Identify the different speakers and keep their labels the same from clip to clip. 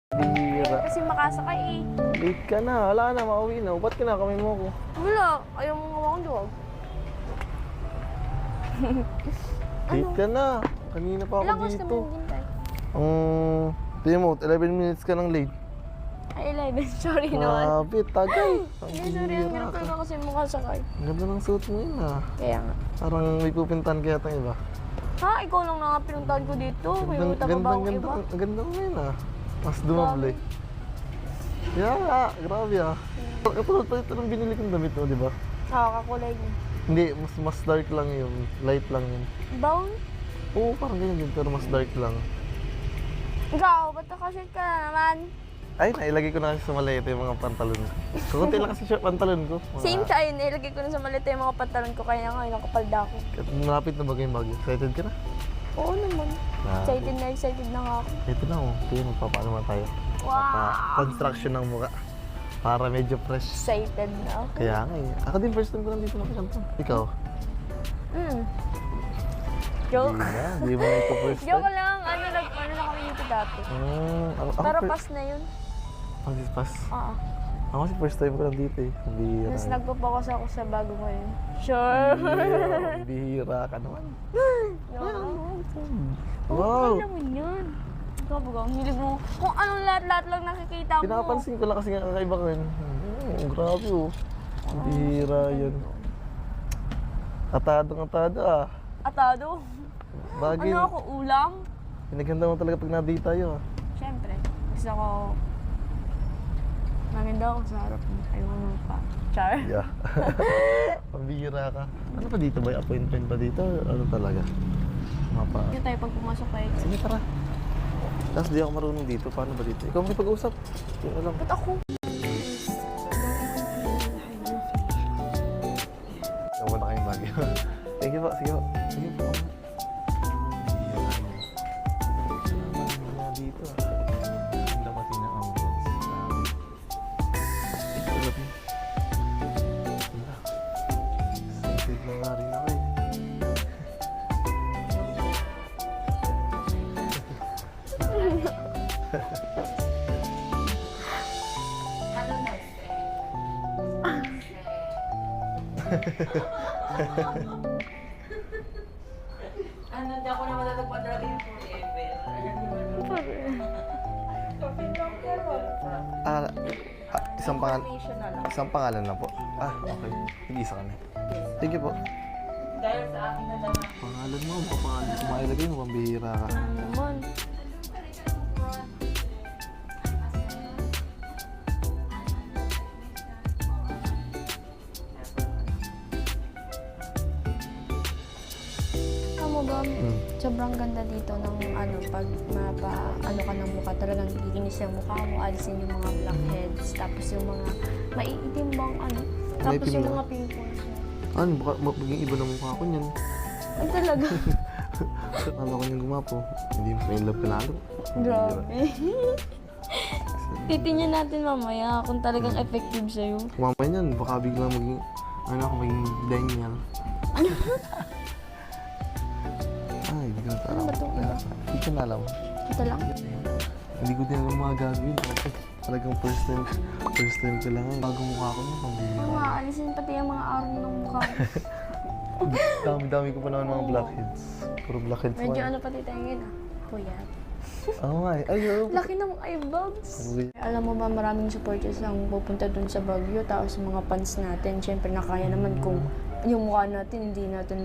Speaker 1: Bira.
Speaker 2: Kasi makasakay eh.
Speaker 1: Late ka na. Wala na, mauwi na. Ba't kinakamay mo ako?
Speaker 2: Wala. Ayaw mo nga akong duwag.
Speaker 1: Late ka na. Kanina pa
Speaker 2: Ilang
Speaker 1: ako
Speaker 2: oras
Speaker 1: dito.
Speaker 2: kami naghintay?
Speaker 1: Tingnan mo, 11 minutes ka nang late.
Speaker 2: Ay, 11. Sorry naman.
Speaker 1: Grabe, tagal.
Speaker 2: Hindi, sorry. Ang hirap na kasi makasakay.
Speaker 1: Ang ganda ng suit mo yun ah.
Speaker 2: Kaya nga.
Speaker 1: Parang may pupintahan kaya itong iba.
Speaker 2: Ha? Ikaw lang na pinuntahan ko dito. May uta pa ba akong iba?
Speaker 1: Ang ganda mo yun ah. Mas dumable. Yeah, grabe ah. Katulad pa ito ng binili kong damit mo, di ba?
Speaker 2: Nakakakulay niya.
Speaker 1: Hindi, mas dark lang yun. Light lang yun.
Speaker 2: Brown?
Speaker 1: Oo, parang ganyan din, pero mas dark lang.
Speaker 2: Ikaw, ba't nakashirt ka na naman?
Speaker 1: Ay, nailagay ko na kasi sa maleta yung mga pantalon. Kukunti lang kasi shirt pantalon ko.
Speaker 2: Same tayo, nilagay ko na sa maleta yung mga pantalon ko kaya nga nakapalda ako.
Speaker 1: Malapit na bagay yung bagyo. Excited ka na?
Speaker 2: Oo naman. Excited na nga ako.
Speaker 1: Ito na oh. Ito yun, magpapaano naman tayo.
Speaker 2: Wow!
Speaker 1: Construction ng mukha. Para medyo fresh.
Speaker 2: Excited na ako.
Speaker 1: Kaya nga eh. Ako din first time ko lang dito nakakanta. Ikaw?
Speaker 2: Joke.
Speaker 1: Hindi mo na ito first time.
Speaker 2: Joke lang. Ano na kami dito dati. Pero pass na yun.
Speaker 1: Pass?
Speaker 2: Oo.
Speaker 1: Ako kasi first time ko lang dito eh. Bihira.
Speaker 2: Tapos nagpapokus ako sa bago ngayon. Sure.
Speaker 1: Bihira ka naman.
Speaker 2: Oo,
Speaker 1: Wow!
Speaker 2: alam mo yun. Ikaw ba ang hilig mo? Kung anong lahat-lahat lang nakikita mo.
Speaker 1: Pinapansin ko lang kasi nga kakaiba ko yun. Grabe oh. Bihira yun. Atado ah.
Speaker 2: Atado.
Speaker 1: Bagay.
Speaker 2: Ano ako, ulam?
Speaker 1: Pinaganda mo talaga pag na-date tayo ah.
Speaker 2: Siyempre. Gusto ko maganda ako sa harap mo. Ayaw mo pa. Char.
Speaker 1: Yeah. Pambihira ka. Ano pa dito ba? Appointment pa dito? Ano talaga? Mapa.
Speaker 2: Yun tayo pag pumasok tayo.
Speaker 1: Sige, tara. Tapos di ako marunong dito. Paano ba dito? Ikaw may pag-usap. Yun na lang.
Speaker 2: Ba't ako?
Speaker 1: Nawa na kayong bagay. Thank you po. Sige po. Sige po. Bihira yun. Naman dito ah. Ang dapatin ng ambulance. Ito lang. Wala. Excited na nga rin ako eh.
Speaker 3: Ano, di ako na matatagpuan talaga yung forever.
Speaker 1: Isang pangalan.
Speaker 3: Information na lang.
Speaker 1: Isang pangalan lang po. Okay. Nag-isa ka na. Thank you po.
Speaker 3: Dahil sa akin na lang.
Speaker 1: Pangalan mo, mga pangalan ko mailagay mo, pambihira ka.
Speaker 2: Naman. Alam mo ba, sobrang ganda dito ng ano, pag ano ka ng mukha, talagang giginis yung mukha mo, alisin yung mga blackheads, tapos yung mga maiitim bang ano, tapos
Speaker 1: Maitim
Speaker 2: yung
Speaker 1: na?
Speaker 2: mga pimples.
Speaker 1: Ano, baka maging iba ng mukha ko niyan.
Speaker 2: Ang talaga.
Speaker 1: Ano ko niyang gumapo. Hindi mo in love ka lalo.
Speaker 2: Grabe. Titingnan natin mamaya kung talagang effective sa'yo.
Speaker 1: Kumamay niyan, baka biglang maging, ano ako, maging Daniel. Ay, hindi ko na
Speaker 2: Ano ba itong iba?
Speaker 1: Hindi ko na alam.
Speaker 2: Ito lang?
Speaker 1: Hindi ko din alam mga gagawin. Talagang first time ko lang. Bago mukha ko nung pambihira.
Speaker 2: Oo nga, alisin pati yung mga araw ng mukha mo.
Speaker 1: Dami-dami ko pa naman mga blackheads. Puro blackheads mo.
Speaker 2: Medyo ano pati tayo ngayon ah. Puyat.
Speaker 1: Oo nga eh. Ay, oo.
Speaker 2: Laki ng eyebags. Alam mo ba, maraming supporters ang pupunta dun sa Baguio, tapos mga fans natin, syempre nakaya naman kung yung mukha natin, hindi natin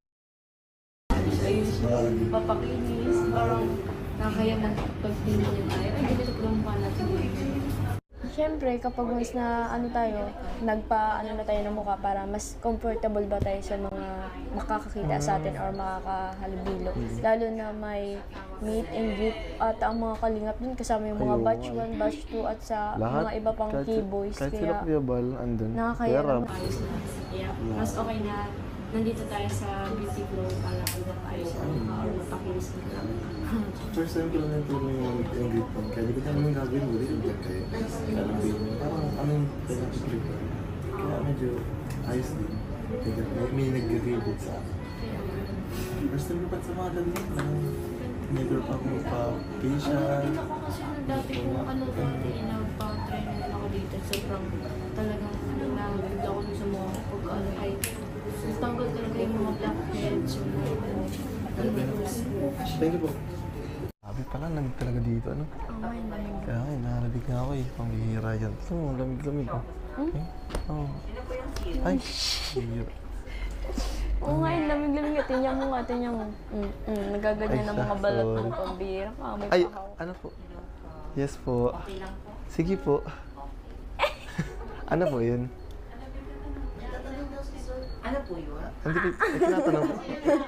Speaker 3: Ayun siya. Papakinis. Parang nakakaya man pagtingin niya tayo. Ay, ganito po ang mukha natin.
Speaker 2: Siyempre, kapag mas na ano tayo, nagpa-ano na tayo ng mukha para mas comfortable ba tayo sa mga makakakita sa atin or makakahalubilo. Lalo na may meet and greet at ang mga kalingap din kasama yung mga
Speaker 1: Ayun,
Speaker 2: batch
Speaker 1: ay.
Speaker 2: 1, batch 2 at sa mga iba pang keyboys.
Speaker 1: Kahit sila Kuya Bal, andun.
Speaker 2: nakakaya
Speaker 1: Kuya Rab.
Speaker 2: naman.
Speaker 3: Ayos na. Yeah. Mas okay na nandito tayo sa beauty flow para kita tayo sa mga or mapakinis na lang.
Speaker 1: First time ko lang yung tulong yung greet mo. Kaya di ko naman yung gagawin mo. Di ko kayo. Parang ano yung pinag-greet ko. Kaya medyo ayos din. May nag-greet sa akin. First time ko pa sa mga ganyan. Never pa ako magpa-facial.
Speaker 3: Ako kasi nung dati kung ano dati, nagpa-try na rin ako dito. Sobrang talagang nabigla ako dun sa mga pag ano ay tanggal talaga yung mga blackheads, yung mga pimples.
Speaker 1: Thank you po. Sabi pala, lamig talaga dito, ano?
Speaker 2: Oh, ay, lamig.
Speaker 1: Kaya nga, nakalabig nga ako eh. Pambihira yan. Gusto mo, lamig-lamig oh. Eh? Oo. Ay, bihira.
Speaker 2: Oo nga, yung lamig-lamig nga. Tingnan mo nga, tingnan mo. Nagaganyan
Speaker 1: Ay,
Speaker 2: ng mga balat
Speaker 1: sorry.
Speaker 2: mo. Pambira ka, may
Speaker 1: Ay,
Speaker 2: pahaw.
Speaker 1: ano po? Yes po. Sige po. Ano po yun?
Speaker 4: Ano po yun?
Speaker 1: Hindi ko, tinatanong po.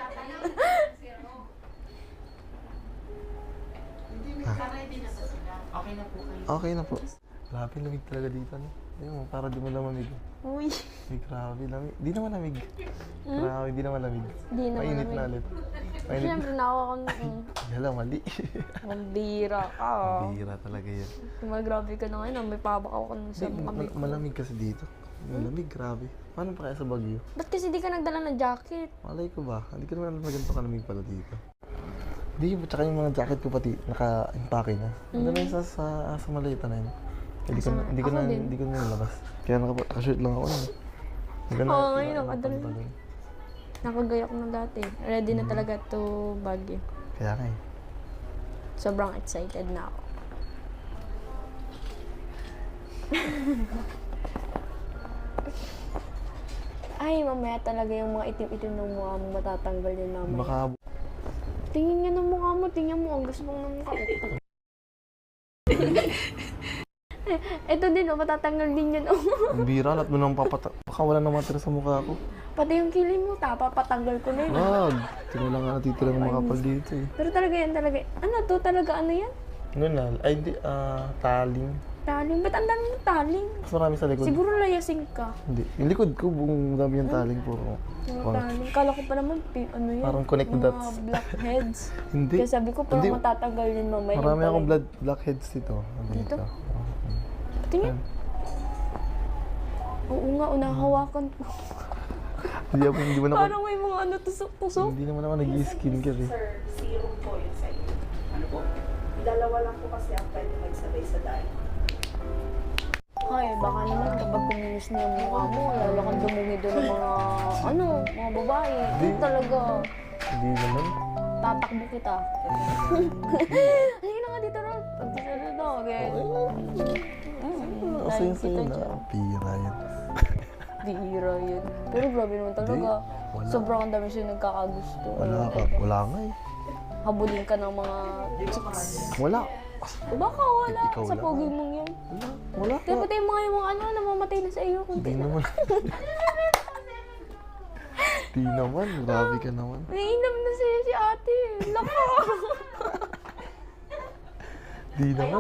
Speaker 4: Okay na po kayo.
Speaker 1: Okay na po. Grabe, lamig talaga dito, no? Ayun mo, para di mo lang mamig.
Speaker 2: Uy,
Speaker 1: Ay, grabe, lamig. Di naman lamig. Grabe, di naman lamig.
Speaker 2: di naman
Speaker 1: Mainit
Speaker 2: lamig.
Speaker 1: na ulit. Mainit.
Speaker 2: Siyempre, nawa ko
Speaker 1: Hala, mali.
Speaker 2: Mambira ka.
Speaker 1: Bihira talaga yan.
Speaker 2: Grabe ka na ngayon. May pabakaw ka nun sa
Speaker 1: Hindi,
Speaker 2: mga big.
Speaker 1: malamig kasi dito. Malamig, grabe. Paano pa kaya sa Baguio?
Speaker 2: Ba't kasi di ka nagdala ng jacket?
Speaker 1: Malay ko ba? Hindi ko naman alam na ganito kalamig pala dito. Hindi, tsaka yung mga jacket ko pati naka-impake na. Ano na yun sa maleta na yun. Hindi ko na, hindi ko
Speaker 2: Ako
Speaker 1: na,
Speaker 2: din.
Speaker 1: hindi ko na nilabas. Kaya naka-shirt lang ako nun. Hindi ko na,
Speaker 2: Oo, ngayon, nakadala.
Speaker 1: pantalon.
Speaker 2: Nakagayak na dati. Ready na talaga to Baguio.
Speaker 1: Kaya nga eh.
Speaker 2: Sobrang excited na ako. Ay, mamaya talaga yung mga itim-itim ng mukha mo matatanggal yun mamaya.
Speaker 1: Baka,
Speaker 2: Tingin nga ng mukha mo, tingnan mo, ang gusto mong ng mukha ko. Ito din, oh, matatanggal din yun. Oh.
Speaker 1: ang bira, lahat mo nang baka wala na matira sa mukha ko.
Speaker 2: Pati yung kilim mo, papatanggal ko na yun.
Speaker 1: Wag! Tingnan lang nga natitira ng mga kapal dito eh.
Speaker 2: Pero talaga yan, talaga. Ano to? Talaga ano yan?
Speaker 1: Ano na? Ay, di, taling.
Speaker 2: Taling. Ba't ang dami ng taling?
Speaker 1: Mas marami sa likod.
Speaker 2: Siguro layasing ka.
Speaker 1: Hindi. Yung likod ko, buong dami yung taling puro.
Speaker 2: Mga
Speaker 1: Parang-
Speaker 2: taling. Kala ko pa naman, ano yan?
Speaker 1: Parang connect the
Speaker 2: mga
Speaker 1: dots.
Speaker 2: blackheads.
Speaker 1: Hindi.
Speaker 2: Kaya sabi ko, parang
Speaker 1: Hindi.
Speaker 2: matatanggal yun mamaya.
Speaker 1: Marami
Speaker 2: Yung
Speaker 1: akong
Speaker 2: pala-
Speaker 1: blackheads dito.
Speaker 2: Dito? Tingnan. Oo nga, unahawakan ko.
Speaker 1: Hindi mo na
Speaker 2: Parang may mga ano, tusok-tusok.
Speaker 1: Hindi naman ako nag-skincare eh.
Speaker 4: Sir, serum po yun sa inyo. Ano po? Dalawa lang po kasi ang pwede magsabay sa diet.
Speaker 2: Ay, baka naman kapag kuminis na yung mukha mo, lalo kang dumumi doon ng mga, mga babae.
Speaker 1: Di.
Speaker 2: Talaga,
Speaker 1: Hindi naman.
Speaker 2: tatakbo kita. Halika na nga dito ron. Pagkasalo na, okay?
Speaker 1: Kasi yung sa'yo na. Pira yan.
Speaker 2: Bihira yun. Pero grabe naman talaga.
Speaker 1: Wala.
Speaker 2: Sobrang ang dami siya nagkakagusto.
Speaker 1: Wala nga eh.
Speaker 2: Habulin ka ng mga chicks.
Speaker 1: Wala.
Speaker 2: Baka wala
Speaker 1: Ikaw
Speaker 2: sa
Speaker 1: lang.
Speaker 2: pogi mong yan.
Speaker 1: Wala.
Speaker 2: Kaya pati yung mga ano, namamatay na sa iyo.
Speaker 1: Hindi
Speaker 2: Kunti na.
Speaker 1: naman. Di naman. Grabe ka naman.
Speaker 2: Naiinam na si ate. Laka.
Speaker 1: Di naman.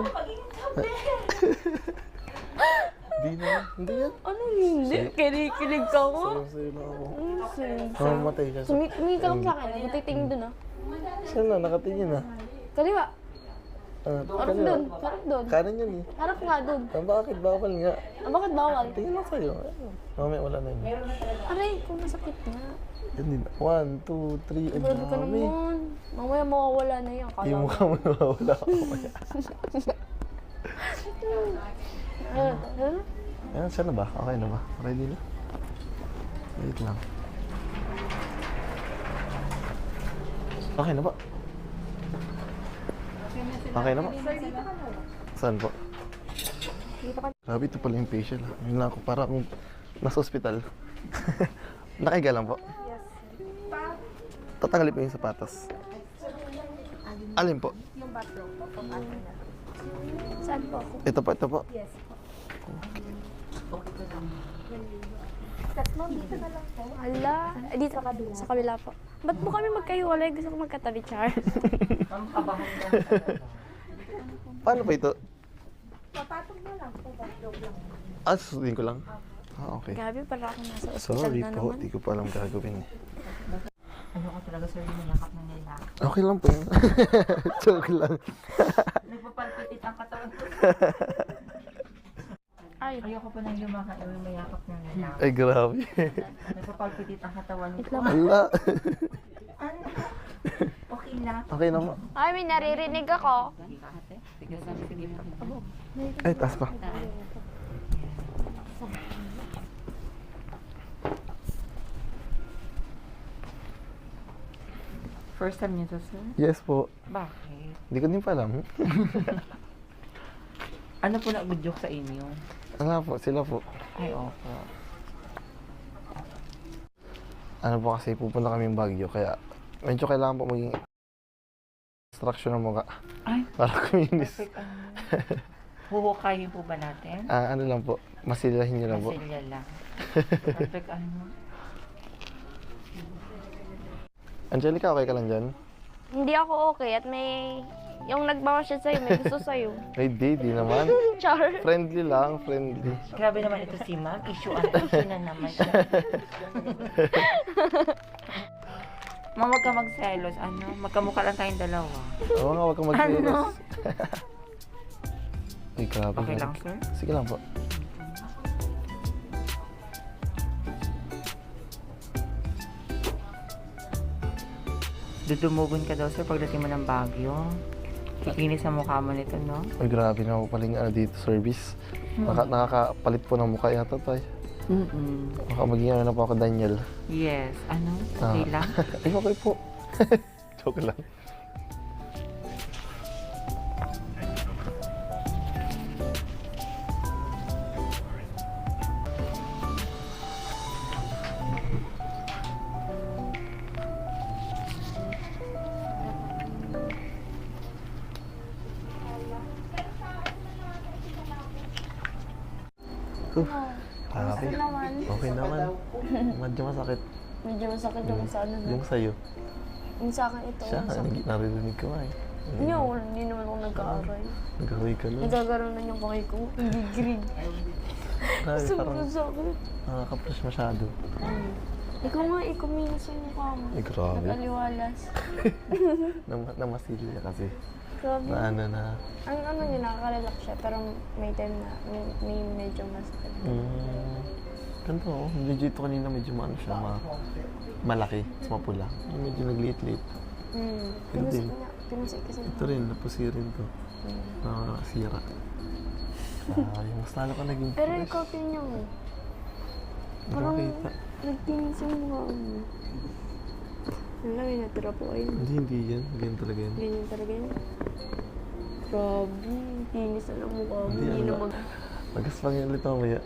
Speaker 1: Di naman. Hindi yan.
Speaker 2: Ano hindi? Kinikilig ka mo.
Speaker 1: Sa'yo na ako.
Speaker 2: Sige.
Speaker 1: Namamatay ka.
Speaker 2: Sumi ka lang sa akin. Matitingin dun ah.
Speaker 1: Saan na? Nakatingin na.
Speaker 2: Kaliwa.
Speaker 1: Ah,
Speaker 2: Harap dun. Harap dun.
Speaker 1: Kanan yan eh.
Speaker 2: Harap nga dun.
Speaker 1: Bakit? Bawal nga.
Speaker 2: Ah, bakit bawal?
Speaker 1: Tingin lang sa'yo. Mamaya wala na yun.
Speaker 2: Aray, kung masakit nga.
Speaker 1: Yan din. 1, 2, 3. Ang
Speaker 2: Grabe ka
Speaker 1: dami.
Speaker 2: naman. Mamaya mawawala na yan. Kala
Speaker 1: Yung
Speaker 2: mo.
Speaker 1: mukha mo nawawala ka mamaya.
Speaker 2: Ano?
Speaker 1: Ayan, saan na ba? Okay na ba? Ready na? Wait lang. Okay na ba? Okay na ba? Saan po? Grabe, ito pala yung facial. Yun lang ako, para akong nasa ospital. Nakahiga lang po. Tatanggalin po yung sapatos. Alin po?
Speaker 2: Saan po ako?
Speaker 1: Ito po, ito po.
Speaker 2: Hala. Dito sa kabila po. Ba't po kami magkahiwalay? Gusto ko magkatabi, Char.
Speaker 1: Paano pa ito? Ah, susundin ko lang? Ah, okay.
Speaker 2: Grabe, para ako nasa ospital
Speaker 1: Sorry
Speaker 2: na
Speaker 1: po,
Speaker 2: naman.
Speaker 1: di ko pa alam gagawin.
Speaker 4: Ano ko talaga sir, yung yakap ng nila.
Speaker 1: Okay lang po yun. Joke lang.
Speaker 4: Nagpapalpitit ang katawan ko.
Speaker 2: Ay,
Speaker 4: Ayoko pa nang lumakad yung mayakap ng nila.
Speaker 1: Ay, grabe.
Speaker 4: Nagpapalpitit ang katawan ko.
Speaker 2: wait lang.
Speaker 1: Wala.
Speaker 4: Ano? Okay
Speaker 5: Sheila.
Speaker 1: Okay na po.
Speaker 2: Ay, may naririnig ako.
Speaker 5: Sige, sige.
Speaker 1: Ay, taas pa.
Speaker 5: First time niyo to, sir?
Speaker 1: Yes po.
Speaker 5: Bakit?
Speaker 1: Hindi ko din pa alam.
Speaker 5: Ano po nag-joke sa inyo?
Speaker 1: Wala po, sila po.
Speaker 5: Ay, opo.
Speaker 1: Ano po kasi pupunta kami ng Baguio, kaya medyo kailangan po maging instruction ng mukha
Speaker 5: Ay,
Speaker 1: para kuminis.
Speaker 5: perfect. Huhukayin po ba natin?
Speaker 1: Ano lang po, masilahin niyo lang po.
Speaker 5: Masilya lang. Perfect ano?
Speaker 1: Angelica, okay ka lang dyan?
Speaker 2: Hindi ako okay at may... Yung nagbawa siya sa'yo, may gusto sa'yo.
Speaker 1: Ay, di naman.
Speaker 2: Char.
Speaker 1: Friendly lang, friendly.
Speaker 5: Grabe naman ito si ma'am. Issue na naman siya. Ma'am, huwag ka magselos. Ano? Magkamukha lang tayong dalawa.
Speaker 1: Oo nga, huwag kang mag-serious.
Speaker 5: Ano?
Speaker 1: Ay, grabe.
Speaker 5: Okay lang, sir?
Speaker 1: Sige lang po.
Speaker 5: Dudumugon ka daw, sir, pagdating mo ng Baguio. Kikinis sa mukha mo nito, no?
Speaker 1: Ay, grabe na po pala yung dito, service. Nakakapalit po ng mukha yata tayo. Baka maging ano na po ako, Daniel.
Speaker 5: Yes. Ano? Okay lang?
Speaker 1: Ay, okay po. Joke lang.
Speaker 2: Gusto naman.
Speaker 1: Okay naman. Medyo masakit.
Speaker 2: Medyo masakit yung sa ano na.
Speaker 1: Yung sa'yo.
Speaker 2: Yung sa akin ito.
Speaker 1: Siya,
Speaker 2: masakit.
Speaker 1: naririnig ko nga eh.
Speaker 2: Hindi naman ako nagkaaray.
Speaker 1: Nagkaroy ka nun.
Speaker 2: Nagkakaroon na yung pakay ko. Hindi green.
Speaker 1: Grabe, parang
Speaker 2: Sobrang sakit.
Speaker 1: nakaka-fresh masyado.
Speaker 2: Ikaw nga, ikuminis yung mukha mo.
Speaker 1: Ay, grabe.
Speaker 2: Nag-aliwalas.
Speaker 1: Namasilya kasi.
Speaker 2: Grabe.
Speaker 1: Na ano na.
Speaker 2: Ang ano niya, nakaka-relax siya. Pero may time na may medyo masakit.
Speaker 1: Ganito oh. Medyo ito kanina medyo maano siya, malaki, mapula. Medyo nagliit-liit. Ito din.
Speaker 2: Pinusik kasi.
Speaker 1: Ito rin, napusi rin to. Nakasira. Yung mas lalo ka naging
Speaker 2: Pero ikaw niya mo. Parang
Speaker 1: nakakita.
Speaker 2: nagtinis yung mukha mo. Wala, may natira po ayun.
Speaker 1: Hindi yan. Ganyan talaga yan.
Speaker 2: Ganyan talaga yun. Grabe, tinis na ng mukha mo.
Speaker 1: Hindi,
Speaker 2: Hindi
Speaker 1: ano
Speaker 2: na
Speaker 1: ba?
Speaker 2: mag...
Speaker 1: Magas lang yan ulit mamaya.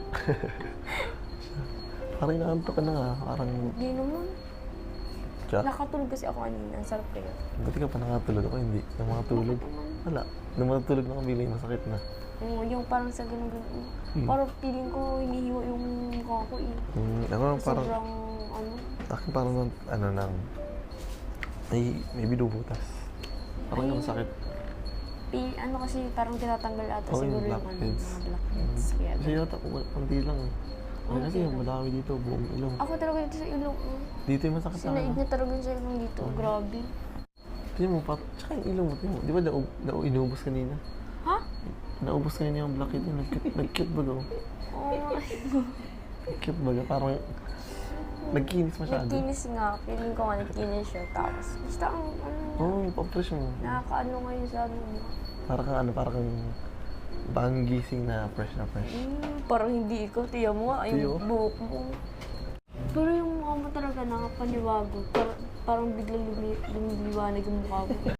Speaker 1: Parang inaantok ka na nga. Parang,
Speaker 2: Hindi naman.
Speaker 1: tsa.
Speaker 2: Nakatulog kasi ako kanina. Ang sarap kaya.
Speaker 1: Buti ka pa nakatulog ako, hindi. Yung mga tulog. Wala. Nung matulog na kabila yung masakit na.
Speaker 2: Oo, yung parang sa ganun-ganun. Parang feeling ko hinihiwa yung mukha ko eh.
Speaker 1: Ako parang,
Speaker 2: Sobrang ano.
Speaker 1: akin parang, ano nang, may binubutas. Parang yung sakit.
Speaker 2: Ano kasi parang tinatanggal ata
Speaker 1: Oo,
Speaker 2: siguro
Speaker 1: yung
Speaker 2: yung ano,
Speaker 1: blackheads.
Speaker 2: mga blackheads. Kaya
Speaker 1: Kasi yata, kunti lang eh. Ay, kasi yung madami dito, buong ilong.
Speaker 2: ako talaga dito sa ilong.
Speaker 1: Dito yung masakit sa
Speaker 2: Sinaig
Speaker 1: akin.
Speaker 2: na talaga sa ilong dito. Grabe.
Speaker 1: Tingnan mo, tsaka yung ilong mo, tingnan mo. Di ba inubos kanina?
Speaker 2: Ha?
Speaker 1: Naubos kanina yung blackhead yun. Nag-cute baga.
Speaker 2: Oo.
Speaker 1: Cute baga, parang nagkinis masyado.
Speaker 2: Nagkinis nga. Feeling ko nga nagkinis siya. Tapos, basta ang
Speaker 1: Oo, pa-fresh mo.
Speaker 2: nakakaano ngayon sa ano.
Speaker 1: Parang kang bagong gising na fresh na fresh.
Speaker 2: Parang hindi ikaw. Tiyan mo nga.
Speaker 1: Tiyo?
Speaker 2: Yung buhok mo. Pero yung mukha mo talaga nakapaniwago. Parang biglang lumiliwanag yung mukha mo.